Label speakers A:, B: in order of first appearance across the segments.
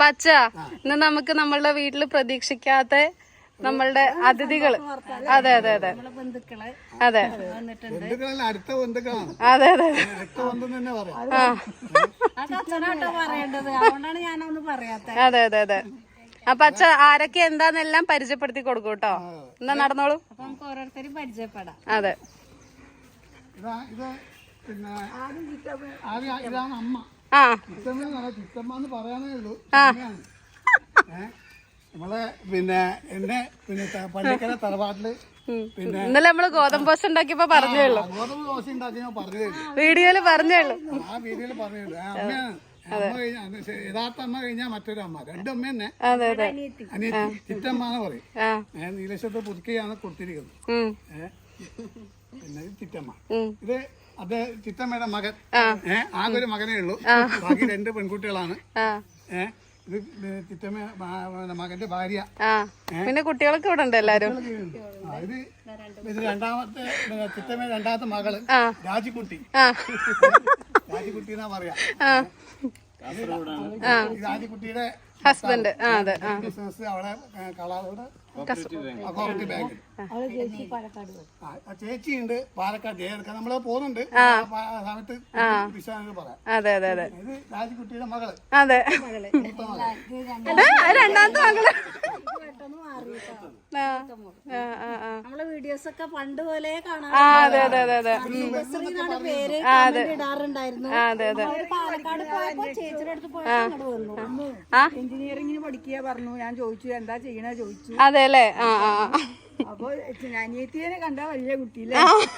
A: അച്ഛ ഇന്ന് നമുക്ക് നമ്മളുടെ വീട്ടില് പ്രതീക്ഷിക്കാത്ത നമ്മളുടെ അതിഥികള് അതെ അതെ അതെ അതെ അതെ അതെ അതെ അതെ അതെ. അപ്പൊ അച്ഛ ആരൊക്കെ എന്താന്നെല്ലാം പരിചയപ്പെടുത്തി കൊടുക്കും കേട്ടോ. എന്നാ നടന്നോളൂ, നമുക്ക് ഓരോരുത്തരും പരിചയപ്പെടാം. അതെ, ആ
B: നമ്മളെ പിന്നെ എന്നെ പിന്നെ പള്ളിക്കര തറവാട്ടില് പിന്നെ
A: ഇന്നലെ നമ്മള് ഗോതമ്പോസ് ഉണ്ടാക്കിയപ്പോ പറഞ്ഞേള്ളൂ,
B: ഗോതമ്പ് ദോശ ഉണ്ടാക്കിയോ പറഞ്ഞേള്ളൂ,
A: വീഡിയോയില് പറഞ്ഞേള്ളൂ.
B: ആ വീഡിയോയില് പറഞ്ഞേള്ളൂ. അമ്മയാണ് യഥാർത്ഥ അമ്മ കഴിഞ്ഞാൽ മറ്റൊരു അമ്മ, രണ്ടമ്മ തന്നെ. അനിയത്തി ചിറ്റമ്മ എന്ന് പറയും. നീലശത്ത് പുതുക്കിയാണ് കൊടുത്തിരിക്കുന്നത്. പിന്നെ ചിറ്റമ്മ, ഇത് അത് ചിറ്റമ്മയുടെ മകൻ. ആകെ ഒരു മകനേ ഉള്ളൂ, ബാക്കി 2 പെൺകുട്ടികളാണ്. ഇത് ചിറ്റമ്മ മകന്റെ ഭാര്യ.
A: പിന്നെ കുട്ടികളൊക്കെ ഇവിടെ ഉണ്ട് എല്ലാരും.
B: ഇത് രണ്ടാമത്തെ ചിറ്റമ്മയുടെ രണ്ടാമത്തെ മകള് രാജിക്കുട്ടി. രാജിക്കുട്ടി എന്നാ പറയാ. രാജിക്കുട്ടിയുടെ
A: ഹസ്ബൻഡ്. അതെ,
B: ബിസിനസ് അവിടെ കളാറോട് കോപ്പറേറ്റീവ് ബാങ്ക്. ചേച്ചിയുണ്ട് പാലക്കാട്. നമ്മള് പോകുന്നുണ്ട് സമയത്ത് പറയാം.
A: അതെ അതെ അതെ.
B: ഇത് രാജിക്കുട്ടിയുടെ മകള്.
A: അതെ, രണ്ടാമത്തെ മകള്.
C: നമ്മളെ വീഡിയോസ് ഒക്കെ പണ്ട് പോലെ കാണാം.
A: അതെ അതെ അതെ അതെ
C: പേര് ഇടാറുണ്ടായിരുന്നു.
A: അതെ അതെ.
C: പാലക്കാട് പോയപ്പോ ചേച്ചിയുടെ അടുത്ത് പോയപ്പോ അങ്ങോട്ട് വന്നു. എഞ്ചിനീയറിംഗിന് പഠിക്കുക പറഞ്ഞു. ഞാൻ ചോദിച്ചു എന്താ ചെയ്യണ ചോദിച്ചു.
A: അതെ അല്ലേ.
C: അപ്പൊ അനിയത്തിയെ കണ്ട വലിയ കുട്ടിയില്ലേ.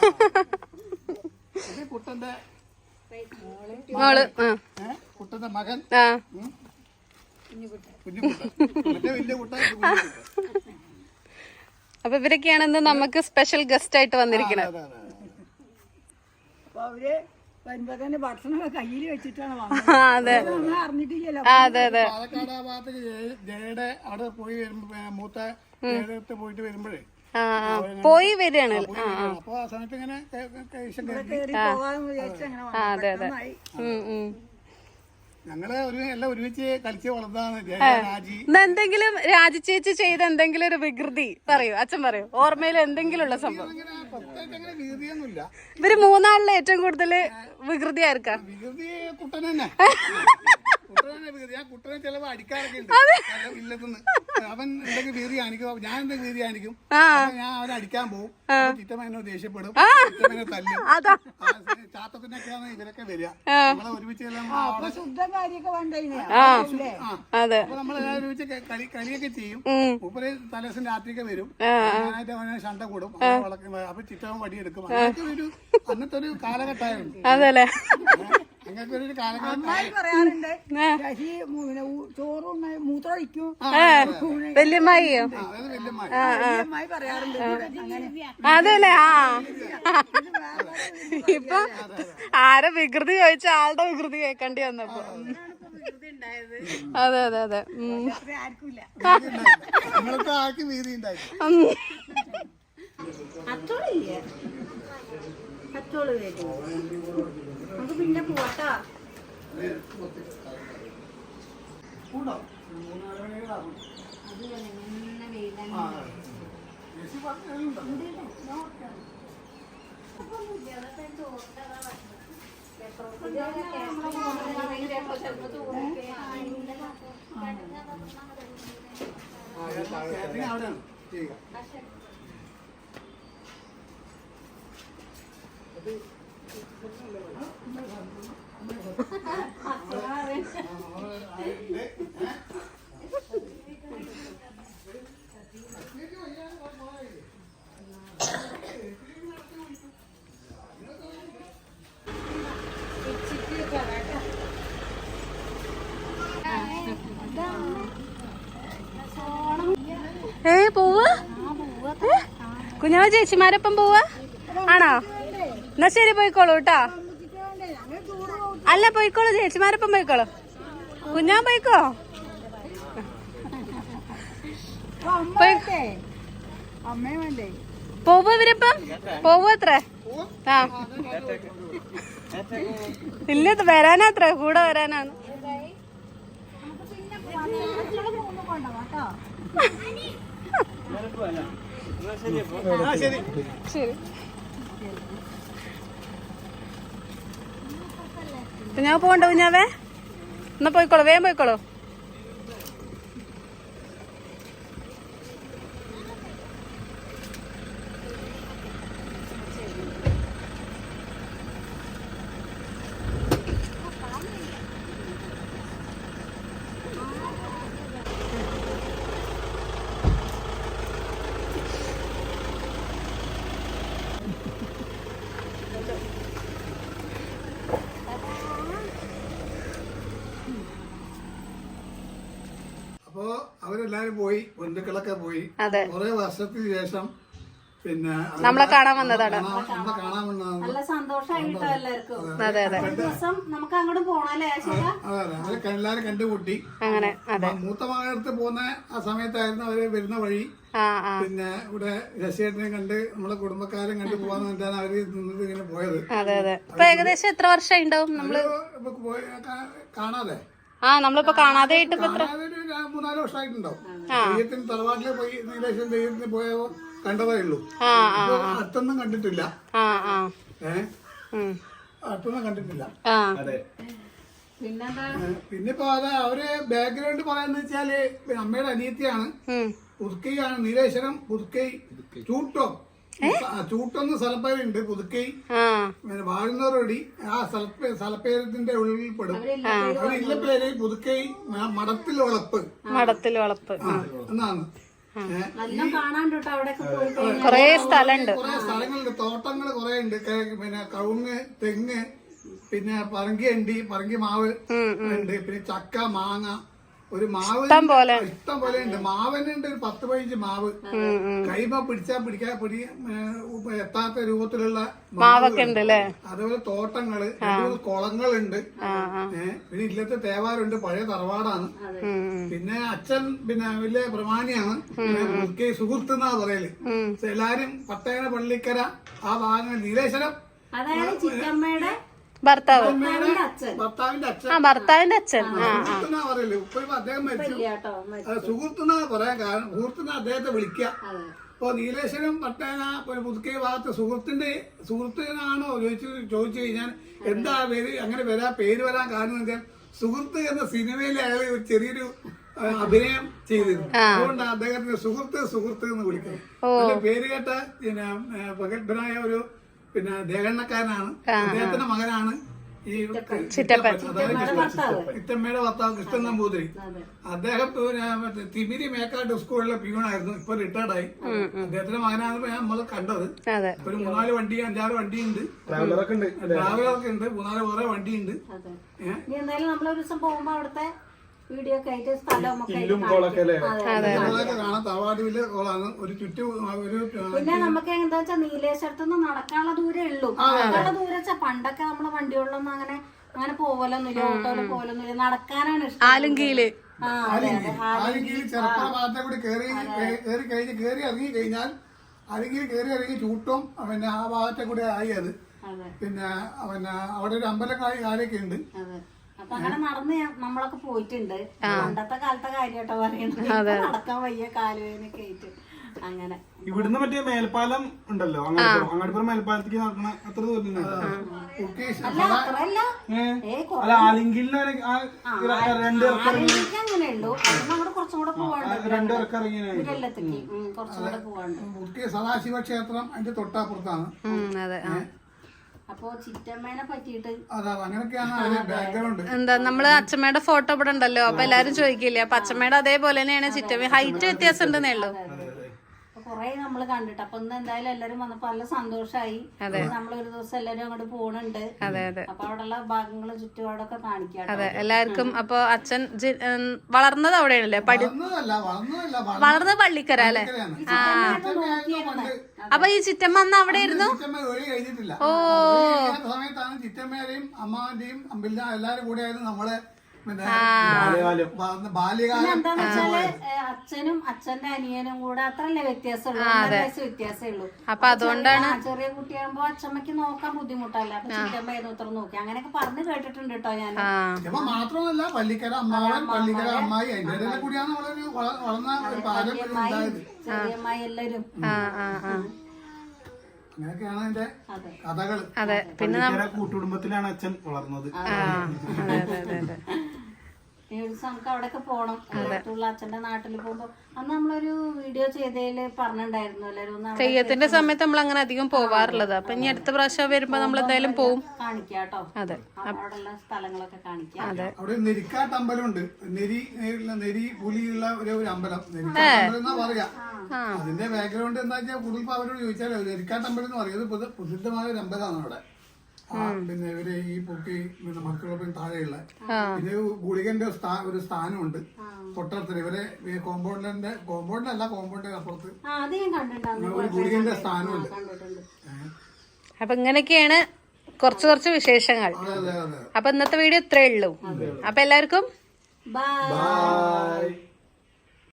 B: കുട്ടന്റെ
A: മോള്,
B: കുട്ടന്റെ മകൻ
A: അപ്പൊ ഇവരൊക്കെയാണ് ഇന്ന് നമുക്ക് സ്പെഷ്യൽ ഗസ്റ്റ് ആയിട്ട് വന്നിരിക്കുന്നത്.
C: അപ്പൊ അവര് വരുമ്പോ തന്നെ ഭക്ഷണം കയ്യിൽ വെച്ചിട്ടാണ്
A: അതെ
C: അറിഞ്ഞിട്ടില്ലല്ലോ.
A: അതെ അതെ.
B: പാലക്കാട് ആ ഭാഗത്തേക്ക് ജയയുടെ അവിടെ പോയി വരുമ്പോ മൂത്ത പോയിട്ട് വരുമ്പോഴേ
A: പോയി വരികയാണ്.
B: അപ്പൊ ആ സമയത്ത് ഇങ്ങനെ
A: അതെ അതെ.
B: ഞങ്ങള് എല്ലാം ഒരുമിച്ച് കളിച്ച് വളർന്നതാണ്. രാജി
A: എന്തെങ്കിലും രാജി ചേച്ചി ചെയ്ത എന്തെങ്കിലും ഒരു വികൃതി പറയൂ, അച്ഛൻ പറയൂ, ഓർമ്മയിൽ എന്തെങ്കിലും ഉള്ള സംഭവം.
B: വികൃതിയൊന്നുമില്ല.
A: ഇവര് മൂന്നാളിലെ ഏറ്റവും കൂടുതൽ വികൃതി ആർക്കാ?
B: വികൃതി കുട്ടൻ തന്നെ. കുട്ടനെ ചിലവ് അടിക്കാറൊക്കെ ഉണ്ട് ഇല്ലത്തുനിന്ന്. അവൻ എന്തെങ്കിലും വീതി കാണിക്കും, ഞാൻ എന്തെങ്കിലും വീതി കാണിക്കും, ഞാൻ അവനെ അടിക്കാൻ പോകും. ചിറ്റമ്മ എന്നോട് ദേഷ്യപ്പെടും, ചിറ്റമ്മനെ തല്ലും. ചാത്തത്തിനൊക്കെയാണ് ഇവരൊക്കെ വരിക. നമ്മളെ ഒരുമിച്ച് അപ്പൊ നമ്മളെല്ലാം ഒരുമിച്ച് കളിയൊക്കെ ചെയ്യും. മൂപ്പര് തലേദിവസം രാത്രിയൊക്കെ വരും. ഞാനായിട്ട് അവനെ ശണ്ട കൂടും. അപ്പൊ ചിറ്റമ്മ വടിയെടുക്കും. അങ്ങനത്തെ ഒരു അന്നത്തെ ഒരു കാലഘട്ടമായിരുന്നു.
A: അതല്ലേ.
B: അങ്ങനത്തെ ഒരു കാലഘട്ടം
C: പറയാറുണ്ട്. ചോറും മൂത്രമൊഴിക്കും
A: വല്യമ്മായിയോ?
C: വല്യമ്മായി പറയാറുണ്ട്.
A: അതല്ലേ. ഇപ്പൊ ആരെ വികൃതി ചോദിച്ച ആളുടെ വികൃതി കേൾക്കേണ്ടി വന്നപ്പോ. അതെ അതെ അതെ.
C: നമുക്ക് പിന്നെ പോവാട്ടാ.
A: പോവാ കുഞ്ഞാവ ചേച്ചിമാരൊപ്പം പോവാ ആണോ? എന്നാ ശരി, പോയിക്കോളൂ കേട്ടോ. അല്ല പോയിക്കോളൂ, ചേച്ചിമാരൊപ്പം പോയിക്കോളൂ. കുഞ്ഞാൻ പോയിക്കോ. പോവോ ഇവരിപ്പം? പോവോ അത്ര? ആ ഇല്ല, വരാനാത്ര, കൂടെ വരാനാണ്. ശരി. ഞാൻ പോണ്ടോ കുഞ്ഞാവേ? എന്നാ പോയിക്കോളൂ, വേഗം പോയിക്കോളൂ.
B: അപ്പോ അവരെല്ലാരും പോയി, ബന്ധുക്കളൊക്കെ പോയി.
A: അതെ,
B: കുറെ വർഷത്തിന് ശേഷം പിന്നെ
A: നമ്മളെ കാണാൻ വന്നതാണ്.
B: നമ്മളെ കാണാൻ വന്നതാണ്.
C: നല്ല സന്തോഷമായിട്ടോ എല്ലാവർക്കും.
A: അതെ അതെ
C: ഒരു ദിവസം നമുക്ക് അങ്ങോട്ട് പോണല്ലേ ശരിയാ?
B: അതെ, അവരെ എല്ലാരും കണ്ടുകൂട്ടി.
A: അങ്ങനെ. അതെ,
B: മൂത്ത മകനടുത്ത് പോകുന്ന ആ സമയത്തായിരുന്നു അവര് വരുന്ന വഴി. പിന്നെ ഇവിടെ രശേട്ടനെ കണ്ട് നമ്മളെ കുടുംബക്കാരെ കണ്ടു പോവാന്ന് പറഞ്ഞാണ് അവര് നിന്നത് ഇങ്ങനെ പോയത്.
A: അതെ അതെ. ഇപ്പൊ ഏകദേശം എത്ര വർഷമായി ഉണ്ടാവും നമ്മള്
B: കാണാതെ?
A: നമ്മളിപ്പോ കാണാതെ ആയിട്ട് ഇപ്പൊ എത്ര
B: 3-4 വർഷമായിട്ടുണ്ടാവും. തെയ്യത്തിന് തറവാട്ടിലെ പോയി നീലേശ്വരം തെയ്യത്തിന് പോയപ്പോ കണ്ടതേ ഉള്ളൂ. അടുത്തൊന്നും കണ്ടിട്ടില്ല. അടുത്തൊന്നും കണ്ടിട്ടില്ല. പിന്നിപ്പോ അത് അവര് ബാക്ക്ഗ്രൗണ്ട് പറയാന്ന് വെച്ചാല് അമ്മയുടെ അനിയത്തിയാണ്. പുതുക്കൈയാണ് നീലേശ്വരം പുതുക്കൈ ചൂട്ടം. ചൂട്ടൊന്ന് സ്ഥലപ്പേരുണ്ട്. പുതുക്കൈ പിന്നെ വാഴുന്നവരോടി ആ സ്ഥലപ്പേരത്തിന്റെ ഉള്ളിൽ പെടും. അവരില്ല പേര് പുതുക്കൈ മടത്തിൽ വളപ്പ്.
A: മടത്തിൽ വളപ്പ്
B: എന്നാണ്.
A: കൊറേ സ്ഥലമുണ്ട്.
B: കൊറേ സ്ഥലങ്ങളുണ്ട്, തോട്ടങ്ങള് കൊറേ ഉണ്ട്. പിന്നെ കവുങ്ങ്, തെങ്ങ്, പിന്നെ പറങ്കി അണ്ടി, പറങ്കി മാവ് ഉണ്ട്. പിന്നെ ചക്ക, മാങ്ങ, ഒരു മാവ് ഇഷ്ടം പോലെ ഉണ്ട്. മാവനുണ്ട് ഒരു 10-15 മാവ്. കൈമ പിടിക്കാൻ എത്താത്ത രൂപത്തിലുള്ള മാവൊക്കെ ഉണ്ട്. അതുപോലെ തോട്ടങ്ങള്, കുളങ്ങളുണ്ട്. പിന്നെ ഇല്ലത്തെ തേവാരുണ്ട്, പഴയ തറവാടാണ്. പിന്നെ അച്ഛൻ പിന്നെ വലിയ പ്രമാണിയാണ്. സുഹൃത്ത് എന്നാ പറയല്. എല്ലാരും പട്ടേന പള്ളിക്കര ആ ഭാഗങ്ങൾ നീലേശ്വരം
A: ഭർത്താവിന്റെ അച്ഛൻ
B: സുഹൃത്തുന്നാ പറയല്. ഇപ്പൊ അദ്ദേഹം മരിച്ചു. സുഹൃത്തുന്നാ പറയാൻ കാരണം സുഹൃത്തുനാ അദ്ദേഹത്തെ വിളിക്കുക. ഇപ്പൊ നീലേശ്വരം പട്ടേന പുതുക്കൈ ഭാഗത്ത് സുഹൃത്തിനാണോ ചോദിച്ചു കഴിഞ്ഞാൽ എന്താ പേര് അങ്ങനെ പേര് വരാൻ കാരണം എന്ന് വെച്ചാൽ സുഹൃത്ത് എന്ന സിനിമയിൽ അയാൾ ഒരു ചെറിയൊരു അഭിനയം ചെയ്തിരുന്നു. അതുകൊണ്ട് അദ്ദേഹത്തിന് സുഹൃത്ത് എന്ന് വിളിക്കുന്നത്. പേര് കേട്ട പിന്നെ പ്രഗത്ഭനായ ഒരു പിന്നെ ദേഹണ്ണക്കാരനാണ്. അദ്ദേഹത്തിന്റെ മകനാണ് ഈ ഇത്തമ്മയുടെ ഭർത്താവ് കൃഷ്ണൻ നമ്പൂതിരി. അദ്ദേഹം തിമിരി മേക്കാട്ട് സ്കൂളിലെ പ്യൂണായിരുന്നു. ഇപ്പൊ റിട്ടയർഡായി. അദ്ദേഹത്തിന്റെ മകനാണ് നമ്മൾ കണ്ടത്. ഒരു 3-4 വണ്ടി 5-6 വണ്ടിയുണ്ട്. ട്രാവലറൊക്കെ ഉണ്ട്. 3-4 വേറെ വണ്ടിയുണ്ട്.
C: എന്തായാലും നമ്മളൊരു ദിവസം പോകുമ്പോ അവിടുത്തെ വീഡിയോ ഒക്കെ ആയിട്ട് സ്ഥലമൊക്കെ
B: കാണാം. തറവാടിലെ കോളാണ്. ഒരു
C: പിന്നെ നമുക്ക് എന്താ വെച്ചാൽ നീലേശ്വരത്തുനിന്ന് നടക്കാനുള്ള ദൂരേ ഉള്ളൂ. നടക്കാനുള്ള ദൂരം വെച്ചാൽ പണ്ടൊക്കെ നമ്മള് വണ്ടികളിലൊന്നും അങ്ങനെ പോവലൊന്നുമില്ല, ഓട്ടോയില് പോവലൊന്നുമില്ല. നടക്കാനാണ് ഇഷ്ടം.
A: ആലുങ്കീല്
B: ചെറുപ്പ ഭാഗത്തെ കൂടി കേറി ഇറങ്ങി കഴിഞ്ഞാൽ അല്ലെങ്കിൽ കയറി ഇറങ്ങി ചൂട്ടും പിന്നെ ആ ഭാഗത്തെ കൂടി ആയി. അത് പിന്നെ അവിടെ ഒരു അമ്പലം കാര്യമൊക്കെ ഉണ്ട്.
C: അപ്പൊ അങ്ങനെ നടന്ന് നമ്മളൊക്കെ പോയിട്ടുണ്ട്. പണ്ടത്തെ കാലത്തെ കാര്യമായിട്ടോ പറയുന്നത്. നടക്കാൻ വയ്യ, കാലുവേനൊക്കെ ആയിട്ട് അങ്ങനെ.
D: ഇവിടുന്ന് മറ്റേ മേൽപ്പാലം ഉണ്ടല്ലോ, അങ്ങാടിപ്പുറം മേൽപ്പാലത്തേക്ക് നടക്കണ അത്ര ദൂരം അല്ല. ആലിങ്കിലിന്
C: അങ്ങനെ ഉള്ളൂ. അവിടെ കുറച്ചും കൂടെ പോവാണ്ട്,
D: 2 ഇറക്കം ഇറങ്ങിയ
C: കുറച്ചും കൂടെ പോവാണ്ട്.
B: സദാശിവ ക്ഷേത്രം അതിന്റെ തൊട്ടപ്പുറത്താണ്.
C: അപ്പൊ ചിറ്റമ്മേനെ പറ്റിയിട്ട്
A: എന്താ നമ്മള് അച്ഛമ്മയുടെ ഫോട്ടോ ഇവിടെ ഉണ്ടല്ലോ. അപ്പൊ എല്ലാരും ചോദിക്കില്ലേ, അപ്പൊ അച്ഛമ്മയുടെ അതേപോലെ തന്നെയാണ് ചിറ്റമ്മ. ഹൈറ്റ് വ്യത്യാസം ഉണ്ടെന്നേ ഉള്ളൂ.
C: കൊറേ നമ്മള് കണ്ടിട്ട്. അപ്പൊ ഇന്ന് എന്തായാലും എല്ലാരും വന്നപ്പോ നല്ല സന്തോഷായി. നമ്മളൊരു ദിവസം എല്ലാരും അങ്ങോട്ട് പോണുണ്ട്. അപ്പൊ അവിടെയുള്ള ഭാഗങ്ങള് ചുറ്റുപാടൊക്കെ കാണിക്കാം.
A: അതെ, എല്ലാവർക്കും. അപ്പൊ അച്ഛൻ വളർന്നത് അവിടെയാണല്ലേ? വളർന്നത് പള്ളിക്കര അല്ലെ? അപ്പൊ ഈ ചിറ്റമ്മ അന്ന് അവിടെ ആയിരുന്നു.
B: സമയത്താണ് ചിറ്റമ്മേരെയും അമ്മാവന്റെയും എല്ലാരും കൂടെ ആയിരുന്നു നമ്മളെ പിന്നെ
D: ബാല്യകാലം
B: ബാല്യകാലം
C: എന്താന്ന് വെച്ചാല് അച്ഛനും അച്ഛന്റെ അനിയനും കൂടെ അത്രല്ലേ വ്യത്യാസമുള്ളൂ, 1.5 വയസ്സ് വ്യത്യാസമേ ഉള്ളൂ.
A: അപ്പൊ അതുകൊണ്ടാണ്
C: ചെറിയ കുട്ടിയാകുമ്പോ അച്ഛമ്മക്ക് നോക്കാൻ ബുദ്ധിമുട്ടല്ല, അപ്പൊ ചിറ്റമ്മ ഏതോത്രം നോക്കി അങ്ങനെയൊക്കെ പറഞ്ഞു കേട്ടിട്ടുണ്ട് കേട്ടോ ഞാൻ.
B: ഇപ്പൊ മാത്രമല്ല പള്ളിക്കര അമ്മാവൻ പള്ളിക്കര അമ്മായി അതിന്റെ ഇടയിലെ കൂടിയാണ് വളർന്ന ഒരു പാരമ്പര്യം ഉണ്ടായത്.
C: ചെറിയമ്മായി എല്ലാരും
B: അങ്ങനെയൊക്കെയാണ് അതിന്റെ കഥകള്.
A: അതെ. പിന്നെ
D: കൂട്ടുകുടുംബത്തിലാണ് അച്ഛൻ വളർന്നത്.
C: നമുക്ക് അവിടെയൊക്കെ പോണം. അടുത്തുള്ള അച്ഛന്റെ നാട്ടിൽ പോകുമ്പോ അന്ന് നമ്മളൊരു വീഡിയോ ചെയ്തതില് പറഞ്ഞിട്ടുണ്ടായിരുന്നു എല്ലാരും
A: തെയ്യത്തിന്റെ സമയത്ത് നമ്മൾ അങ്ങനെ അധികം പോവാറുള്ളത്. അപ്പൊ ഇനി അടുത്ത പ്രാവശ്യം വരുമ്പോ നമ്മൾ എന്തായാലും പോവും.
C: കാണിക്കാട്ടോ.
A: അതെ.
C: അവിടെയുള്ള സ്ഥലങ്ങളൊക്കെ കാണിക്കാം.
B: അവിടെ നെരിക്കാട്ട് അമ്പലമുണ്ട്. നെരി പുലിയുള്ള ഒരു അമ്പലം, നെരിക്കാട്ട് അമ്പലം എന്നാ പറയാ. അതിന്റെ ബാക്ക്ഗ്രൗണ്ട് എന്താ വെച്ചാൽ കൂടുതൽ അവരോട് ചോദിച്ചാൽ നെരിക്കാട്ട് അമ്പലം എന്ന് പറയുന്നത് പ്രസിദ്ധമായ ഒരു അമ്പലമാണ് അവിടെ. പിന്നെ ഇവര് ഈ പൊക്കി പിന്നെ മക്കളൊപ്പം താഴെയുള്ള പിന്നെ ഗുളികന്റെ ഒരു സ്ഥാനമുണ്ട് തൊട്ടടുത്ത്. ഇവരെ കോമ്പൗണ്ടിലല്ല കോമ്പൗണ്ടിന്റെ അപ്പുറത്ത് ഒരു ഗുളികന്റെ സ്ഥാനമുണ്ട്.
A: അപ്പൊ ഇങ്ങനെയൊക്കെയാണ് കുറച്ച് വിശേഷങ്ങൾ. അപ്പൊ ഇന്നത്തെ വീഡിയോ ഇത്രേ ഉള്ളൂ. അപ്പൊ എല്ലാവർക്കും
C: ബൈ.